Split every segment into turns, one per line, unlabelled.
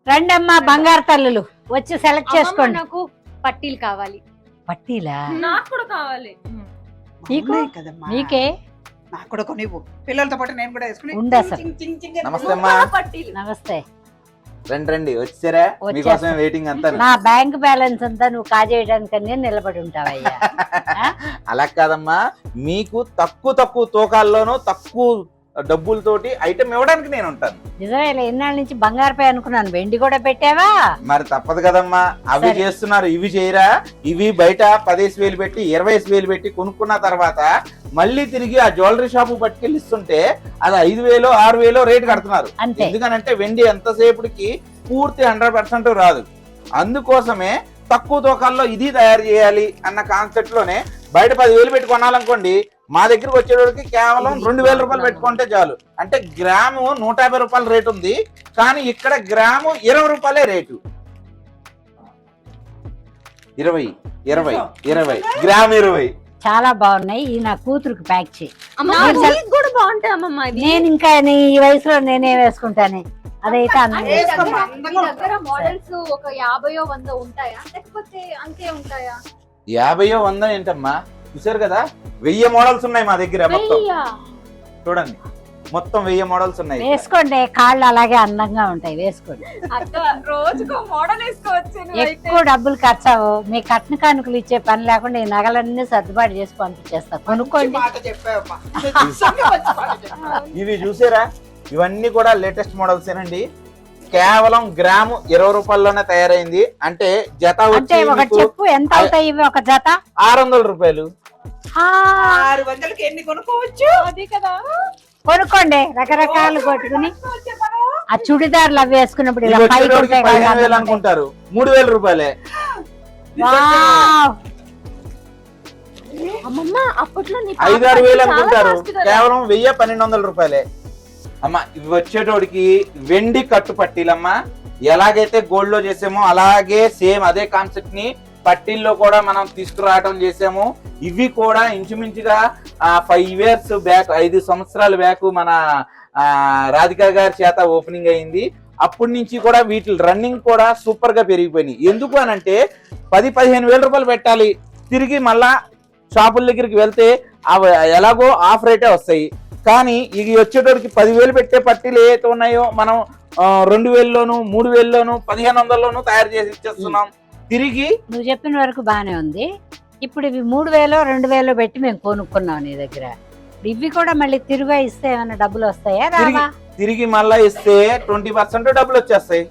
రండమ్మా బంగారు తల్లులు వచ్చి సెలెక్ట్ చేసుకోండి.
నాకు పట్టీలు కావాలి.
పట్టీలా?
నాకు కూడా కావాలి.
నీకు? నీకే?
నాకు కూడా కొన్ని పిల్లలతో పాటు నేను కూడా వేసుకుని
ఉండు అసలు.
నమస్తే అమ్మా.
పట్టీలు.
నమస్తే.
రండి వచ్చారా? మీకోసం వెయిటింగ్ అంతా.
నా బ్యాంక్ బ్యాలెన్స్ అంతా నువ్వు కాజేయడానికి నిలబడి ఉంటావయ్యా.
అలా కాదమ్మా, మీకు తక్కువ తూకాల్లోనూ తక్కువ డబ్బులతోటి ఐటమ్ ఇవ్వడానికి నేను ఉంటాను.
నిజమే, ఎన్నాళ్ళ నుంచి బంగారుపై అనుకున్నాను, వెండి కూడా పెట్టావా?
మరి తప్పదు కదమ్మా, అవి చేస్తున్నారు ఇవి చేయరా? ఇవి బయట 10,000 పెట్టి 20,000 పెట్టి కొనుక్కున్న తర్వాత మళ్ళీ తిరిగి ఆ జ్యువెలరీ షాపు పట్టుకెళ్ళి ఇస్తుంటే అది 5,000 6,000 రేటు కడుతున్నారు. ఎందుకనంటే వెండి ఎంతసేపటికి పూర్తి 100% రాదు. అందుకోసమే తక్కువ తూకాల్లో ఇది తయారు చేయాలి అన్న కాన్సెప్ట్ లోనే బయట 10,000 పెట్టి కొనాలనుకోండి, మా దగ్గరకు వచ్చేటోడికి కేవలం 2,000 రూపాయలు పెట్టుకుంటే చాలు. అంటే గ్రాము 150 రూపాయల రేటు ఉంది, కానీ ఇక్కడ గ్రాము 20 రూపాయలే రేటు. 20 గ్రామ్ 20.
చాలా బాగున్నాయి. ఈ నా కూతురుకి ప్యాక్ చేయి.
కూడా బాగుంటాయి అమ్మమ్మ.
నేను ఇంకా ఈ వయసులో నేనే వేసుకుంటానే. అదైతే
మోడల్స్ ఒక 50-100 ఉంటాయా, లేకపోతే అంతే ఉంటాయా?
50-100 ఏంటమ్మా, చూసారు కదా 1000 మోడల్స్ ఉన్నాయి మా దగ్గర. మొత్తం చూడండి, మొత్తం 1000 మోడల్స్ ఉన్నాయి.
వేసుకోండి, కాళ్ళు అలాగే అందంగా ఉంటాయి, వేసుకోండి.
రోజుకో మోడల్ వేసుకోవచ్చు.
ఎక్కువ డబ్బులు ఖర్చు అవ్వవు. మీ కట్న కానుకలు ఇచ్చే పని లేకుండా ఈ నగలన్నీ సర్దుబాటు చేసి పంపించేస్తా. కొనుక్కోండి.
ఇవి చూసారా, ఇవన్నీ కూడా లేటెస్ట్ మోడల్స్ ఏనండి. కేవలం గ్రాము 20 రూపాయల్లోనే తయారైంది. అంటే జత
అంటే ఒక చెప్పు ఎంత అవుతాయి ఇవి? ఒక జత
600 రూపాయలు.
600కి ఎన్ని కొనుక్కోవచ్చు?
అది కదా,
కొనుక్కోండి. రకరకాలు కొట్టుకుని ఆ చుడిదార్లు అవి వేసుకున్నప్పుడు ఇలా పైకి
15,000 అనుకుంటారు, 3,000 రూపాయలే.
అమ్మమ్మ అప్పట్లో
5-6,000 అనుకుంటారు, కేవలం 1,000-1,200 రూపాయలే. అమ్మా ఇవి వచ్చేటోడికి వెండి కట్టు పట్టీలమ్మా. ఎలాగైతే గోల్డ్ లో చేసామో అలాగే సేమ్ అదే కాన్సెప్ట్ ని పట్టీల్లో కూడా మనం తీసుకురావడం చేసాము. ఇవి కూడా ఇంచుమించుగా 5 years బ్యాక్, 5 సంవత్సరాల బ్యాక్ మన రాధికా గారి చేత ఓపెనింగ్ అయింది. అప్పటి నుంచి కూడా వీటి రన్నింగ్ కూడా సూపర్ గా పెరిగిపోయినాయి. ఎందుకు అనంటే 10-15 వేల రూపాయలు పెట్టాలి, తిరిగి మళ్ళా షాపుల దగ్గరికి వెళ్తే అవి ఎలాగో ఆఫ్ రేటే వస్తాయి. కానీ ఇవి వచ్చేటోడికి 10,000 పెట్టే పట్టీలు ఏవైతే ఉన్నాయో మనం 2,000లోను 3,000లోను 1,500లోను తయారు చేసి ఇచ్చేస్తున్నాం. తిరిగి
నువ్వు చెప్పిన వరకు బానే ఉంది. ఇప్పుడు ఇవి 3,000-2,000 పెట్టి మేము కొనుక్కున్నాం నీ దగ్గర. ఇవి కూడా మళ్ళీ తిరిగి ఇస్తే ఏమైనా డబ్బులు వస్తాయా? రావా?
తిరిగి మళ్ళా ఇస్తే 20% డబ్బులు వచ్చేస్తాయి.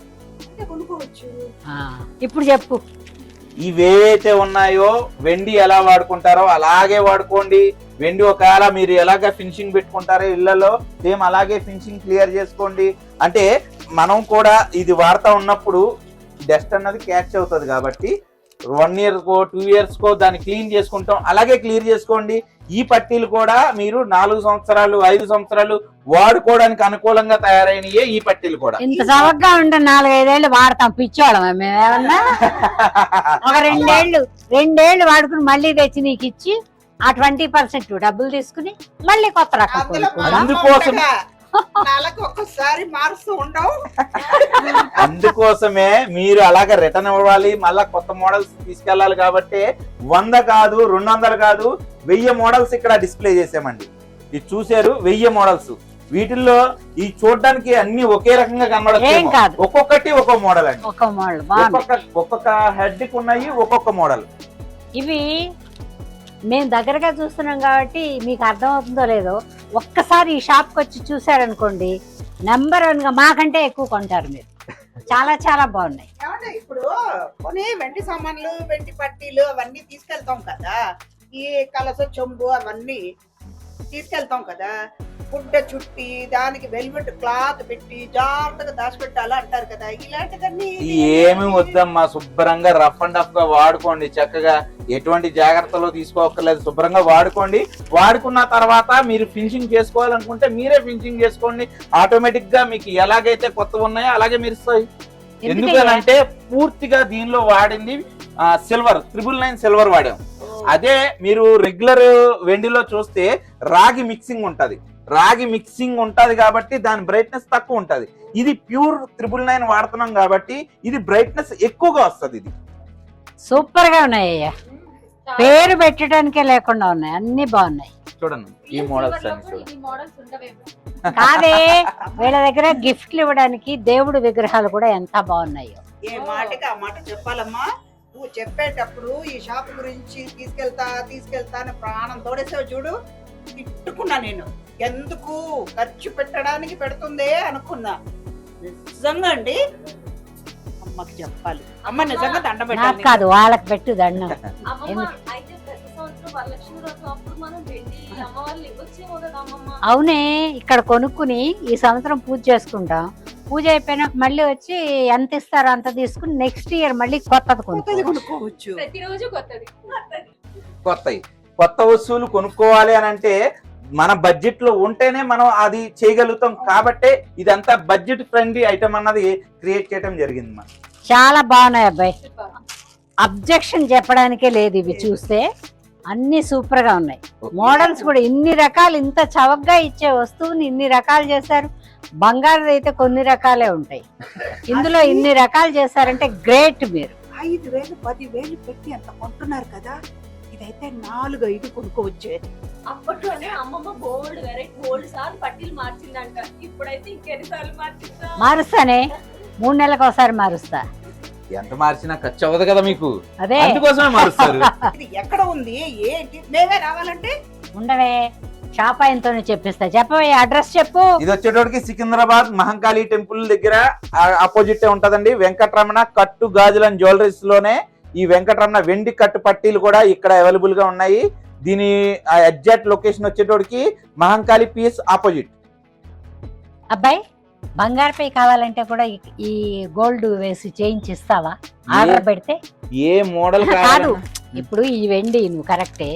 ఇప్పుడు చెప్పు.
ఇవేవైతే ఉన్నాయో వెండి ఎలా వాడుకుంటారో అలాగే వాడుకోండి. వెండి ఒకవేళ మీరు ఎలాగ ఫినిషింగ్ పెట్టుకుంటారో ఇళ్లలో సేమ్ అలాగే ఫినిషింగ్ క్లియర్ చేసుకోండి. అంటే మనం కూడా ఇది వాడుతూ ఉన్నప్పుడు డస్ట్ అన్నది క్యాచ్ అవుతుంది కాబట్టి 1 year కో 2 years కో దాన్ని క్లీన్ చేసుకుంటాం, అలాగే క్లియర్ చేసుకోండి. ఈ పట్టీలు కూడా మీరు 4 సంవత్సరాలు 5 సంవత్సరాలు వాడుకోవడానికి అనుకూలంగా తయారైనయే ఈ పట్టీలు కూడా.
ఇంత చవకగా ఉంటే 4-5 ఏళ్ళు వాడతాం పిచ్చోళ్ళం మేమేమన్నా. ఒక 2 ఏళ్ళు వాడుకుని మళ్ళీ తెచ్చి నీకు ఇచ్చి ఆ 20% డబ్బులు తీసుకుని మళ్ళీ కొత్త రకం.
అందుకోసం
ఒక్కసారి మారుస్తూ ఉండవు.
అందుకోసమే మీరు అలాగే రిటర్న్ ఇవ్వాలి, మళ్ళా కొత్త మోడల్స్ తీసుకెళ్లాలి. కాబట్టి 100 కాదు 200 కాదు 1000 మోడల్స్ ఇక్కడ డిస్ప్లే చేసామండి. ఇది చూసారు 1000 మోడల్స్. వీటిల్లో ఈ చూడడానికి అన్ని ఒకే రకంగా కనబడతాయి, ఒక్కొక్కటి ఒక్కో మోడల్ అండి. ఒక్కొక్క హెడ్ కి ఉన్నాయి ఒక్కొక్క మోడల్.
ఇవి మేము దగ్గరగా చూస్తున్నాం కాబట్టి మీకు అర్థం అవుతుందో లేదో, ఒక్కసారి ఈ షాప్కి వచ్చి చూసారనుకోండి నెంబర్ 1 గా మాకంటే ఎక్కువ కొంటారు మీరు. చాలా చాలా బాగున్నాయి.
ఇప్పుడు కొన్ని వెండి సామాన్లు వెండి పట్టీలు అవన్నీ తీసుకెళ్తాం కదా, ఈ కలస చెంబు అవన్నీ తీసుకెళ్తాం కదా, గుడ్డ చుట్టి దానికి వెల్వెట్ క్లాత్ పెట్టి జాగ్రత్తగా దాచిపెట్టాలి అంటారు కదా, ఇలాంటివన్నీ
ఏమి వద్దమ్మా. శుభ్రంగా రఫ్ అండ్ టఫ్ గా వాడుకోండి. చక్కగా ఎటువంటి జాగ్రత్తలు తీసుకోక్కర్లేదు, శుభ్రంగా వాడుకోండి. వాడుకున్న తర్వాత మీరు ఫినిషింగ్ చేసుకోవాలనుకుంటే మీరే ఫినిషింగ్ చేసుకోండి. ఆటోమేటిక్ గా మీకు ఎలాగైతే కొత్త ఉన్నాయో అలాగే మెరుస్తాయి. ఎందుకనంటే పూర్తిగా దీనిలో వాడింది సిల్వర్ 999 సిల్వర్ వాడాం. అదే మీరు రెగ్యులర్ వెండిలో చూస్తే రాగి మిక్సింగ్ ఉంటది కాబట్టి దాని బ్రైట్నెస్ తక్కువ ఉంటది. ఇది ప్యూర్ 999 వాడుతున్నాం కాబట్టి ఇది బ్రైట్నెస్ ఎక్కువగా వస్తుంది. ఇది
సూపర్ గా ఉన్నాయి అయ్యా, పేరు పెట్టడానికే లేకుండా ఉన్నాయి, అన్ని బాగున్నాయి.
చూడండి ఈ మోడల్స్ అన్ని చూడండి.
ఈ మోడల్స్ ఉండవేమో.
కాదే వీళ్ళ దగ్గర గిఫ్ట్లు ఇవ్వడానికి దేవుడి విగ్రహాలు కూడా ఎంత బాగున్నాయో.
ఏ మాటకి ఆ మాట చెప్పాలమ్మా. నువ్వు చెప్పేటప్పుడు ఈ షాప్ గురించి తీసుకెళ్తా అని ప్రాణం తోడేసావు చూడు. తిట్టుకున్నా నేను, ఎందుకు ఖర్చు పెట్టడానికి పెడుతుందే అనుకున్నా. నిజంగా అండి అమ్మకి చెప్పాలి. అమ్మ నిజంగా దండ
నాకు
పెట్టాలి.
కాదు, వాళ్ళకి పెట్టు దండం.
అమ్మమ్మ అయితే ప్రతి సంవత్సరం వరలక్ష్మి వ్రతం అప్పుడు మనం వెండి అమ్మవాళ్ళు ఇవ్వచ్చేమో కదా అమ్మమ్మ.
అవునే, ఇక్కడ కొనుక్కుని ఈ సంవత్సరం పూజ చేసుకుంటాం. పూజ అయిపోయినాక మళ్ళీ వచ్చి ఎంత ఇస్తారో అంత తీసుకుని నెక్స్ట్ ఇయర్ మళ్ళీ కొత్తది
కొత్తది
కొనుక్కోవచ్చు.
కొనుక్కోవచ్చు.
ప్రతిరోజు కొత్తది.
కొత్త వస్తువులు కొనుక్కోవాలి అని అంటే మన బడ్జెట్ లో ఉంటేనే మనం అది చేయగలుగుతాం. కాబట్టే ఇదంతా బడ్జెట్ ఫ్రెండ్లీ ఐటమ్ అన్నది క్రియేట్ చేయడం జరిగింది. మనం
చాలా బాగున్నాయి అబ్బాయి, అబ్జెక్షన్ చెప్పడానికే లేదు. ఇవి చూస్తే అన్ని సూపర్ గా ఉన్నాయి. మోడల్స్ కూడా ఇన్ని రకాలు, ఇంత చవకగా ఇచ్చే వస్తువుని ఇన్ని రకాలు చేశారు. బంగారు అయితే కొన్ని రకాలే ఉంటాయి, ఇందులో ఇన్ని రకాలు చేశారంటే గ్రేట్. మీరు
5,000 10,000 పెట్టి అంత కొంటున్నారు కదా, ఇదైతే 4-5 కొనుక్కోవచ్చేది.
అప్పట్లోనే అమ్మమ్మ బోల్డ్ వెరైటీ బోల్డ్ సార్లు పట్టీలు మార్చిందంట. ఇప్పుడైతే ఇంకెన్ని సార్లు మార్చిందా?
మారుస్తానే, 3 నెలలకు ఒకసారి మారుస్తా.
ఎంత మార్చినా ఖర్చు అవ్వదు కదా మీకు,
అదే
అందుకోసమే మారుస్తారు.
ఇది ఎక్కడ ఉంది ఏంటి? మేమే రావాలంటే
ఉండవే, షాప్ ఆయనతోనే చెప్పిస్తా. చెప్పవే, అడ్రస్ చెప్పు.
ఇది వచ్చేటోడికి సికింద్రాబాద్ మహంకాళి టెంపుల్ దగ్గర ఆపోజిట్ ఉంటదండి. వెంకటరమణ కట్టు గాజుల జ్యువెలరీస్ లోనే ఈ వెంకటరమణ వెండి కట్టు పట్టీలు కూడా ఇక్కడ అవైలబుల్ గా ఉన్నాయి. దీని ఎగ్జాక్ట్ లొకేషన్ వచ్చేటోడికి మహంకాళి పీస్ ఆపోజిట్.
అబ్బాయి, బంగారుపై కావాలంటే కూడా ఈ గోల్డ్ వేసి చేయించిస్తావా ఆర్డర్ పెడితే?
ఏ మోడల్
కాదు, ఇప్పుడు ఈ వెండి నువ్వు కరెక్టే,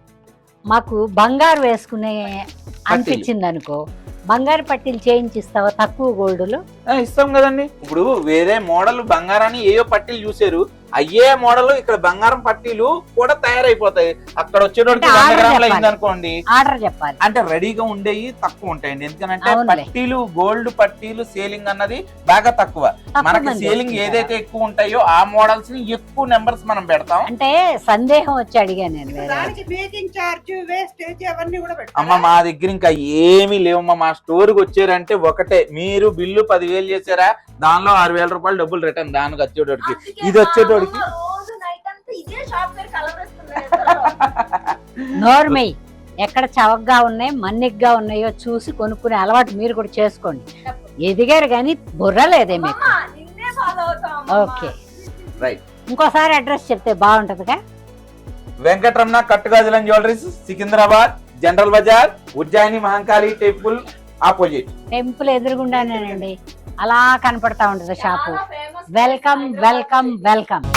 మాకు బంగారు వేసుకునే అనిపించింది అనుకో, బంగారు పట్టీలు చేయించిస్తావా తక్కువ గోల్డ్ లో?
ఇస్తాం కదండి. ఇప్పుడు వేరే మోడల్ బంగారాన్ని ఏయో పట్టీలు చూసారు, అయ్యే మోడల్ ఇక్కడ బంగారం పట్టీలు కూడా తయారైపోతాయి. అక్కడ వచ్చేటోడికి 100 గ్రాములు అయింది అనుకోండి,
ఆర్డర్ చెప్పాలి.
అంటే రెడీగా ఉండేవి తక్కువ ఉంటాయండి. ఎందుకంటే
అవునులే.
పట్టీలు గోల్డ్ పట్టీలు సేలింగ్ అన్నది బాగా తక్కువ. మనకి
మంది
సేలింగ్
వేసుకుంటారు.
ఏదైతే ఎక్కువ ఉంటాయో ఆ మోడల్స్ ని ఎక్కువ నెంబర్స్ మనం పెడతాం.
అంటే సందేహం వచ్చి అడిగా నేను. వేరే
దానికి మేకింగ్ చార్జ్, వేస్టేజ్ అవన్నీ కూడా
అమ్మ
పెట్టాలి.
మా దగ్గర ఇంకా ఏమీ లేవమ్మా. మా స్టోర్ కి వచ్చారంటే ఒకటే, మీరు బిల్లు 10,000 చేశారా, దానిలో 6,000 రూపాయలు డబ్బులు రిటర్న్. దానికి వచ్చేటోడికి ఇది వచ్చేటోడికి
రోజు నైట్ అంతా ఇదే షాప్ పేరు కలవరేస్తున్నారు.
నోర్మై, ఎక్కడ చవకగా ఉన్నాయి మన్నిగ్గా ఉన్నాయో చూసి కొనుక్కునే అలవాటు మీరు కూడా చేసుకోండి. ఎదిగారు కానీ బుర్ర లేదే మీకు.
నిన్నే ఫాలో అవుతాం.
Okay,
right.
ఇంకోసారి అడ్రస్ చెప్తే బాగుంటదిగా.
వెంకటరమణ కట్టుగాజుల jewellers, Secunderabad, General Bazaar, Ujjaini Mahankali temple opposite.
Temple ఎదురుగుండానేనండి, అలా కనపడతా ఉంటది షాపు.
చాలా famous.
Welcome welcome welcome.